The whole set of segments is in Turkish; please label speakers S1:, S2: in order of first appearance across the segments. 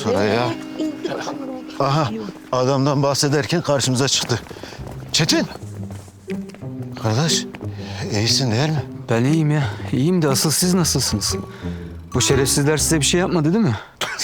S1: sonra ya. Aha, adamdan bahsederken karşımıza çıktı. Çetin! Kardeş, iyisin değil mi?
S2: Ben iyiyim ya. İyiyim de asıl siz nasılsınız? Bu şerefsizler size bir şey yapmadı değil mi?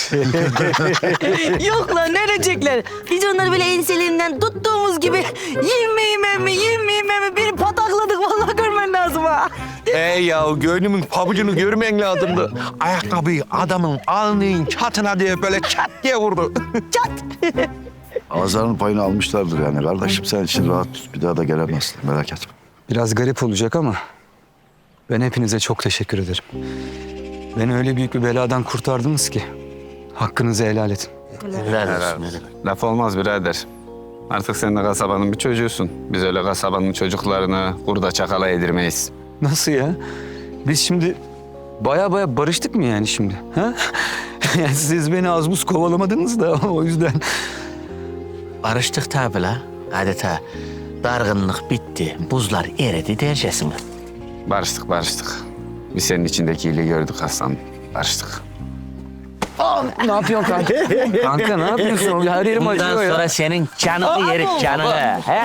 S3: Yok lan ne edecekler? Biz onları böyle enselerinden tuttuğumuz gibi yemeyeyim mi bir patakladık vallahi görmen lazım ha.
S4: Ya gönlümün pabucunu görmen lazımdı. Ayakkabıyı adamın alnının çatına diye böyle çat diye vurdu.
S5: Ağızlarının payını almışlardır yani. Kardeşim sen için rahat tut. Bir daha da gelemezsin. Merak etme.
S2: Biraz garip olacak ama ben hepinize çok teşekkür ederim. Beni öyle büyük bir beladan kurtardınız ki hakkınızı helal edin.
S6: Laf olmaz birader. Artık sen de kasabanın bir çocuğusun. Biz öyle kasabanın çocuklarını kurda çakala yedirmeyiz.
S2: Nasıl ya? Biz şimdi baya barıştık mı yani şimdi? Ha? Yani siz beni az buz kovalamadınız da o yüzden.
S7: Barıştık tabi la. Adeta dargınlık bitti, buzlar eridi dercesine.
S6: Barıştık. Biz senin içindeki iyiliği gördük Hasan. Barıştık.
S2: Ne yapıyorsun kanka? Kanka ne yapıyorsun? Her yerim
S7: Bundan
S2: acıyor ya.
S7: sonra senin canını yerim, canını. He?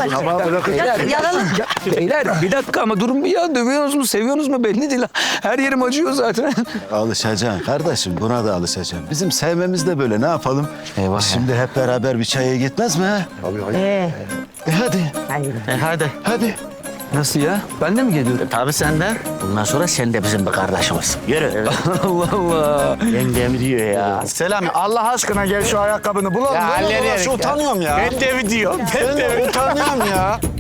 S2: Beyler bir dakika ama durun bir ya. Dövüyorsunuz mu, seviyorsunuz mu belli değil. Her yerim acıyor zaten.
S1: Alışacaksın kardeşim, buna da alışacaksın. Bizim sevmemiz de böyle, ne yapalım?
S7: Eyvah.
S1: Şimdi hep beraber bir çaya gitmez mi ha? Hadi,
S7: Hadi.
S1: hadi.
S2: Nasıl ya? Ben de mi geliyorum?
S7: Tabii sen de. Bundan sonra sen de bizim bir kardeşimiz. Yürü.
S2: Allah Allah.
S7: Yengem diyor ya.
S4: Selami Allah aşkına gel şu ayakkabını bulalım. Ya
S7: hallederim
S4: utanıyorum ya.
S7: Ben de mi diyor?
S4: Ben de utanıyorum ya.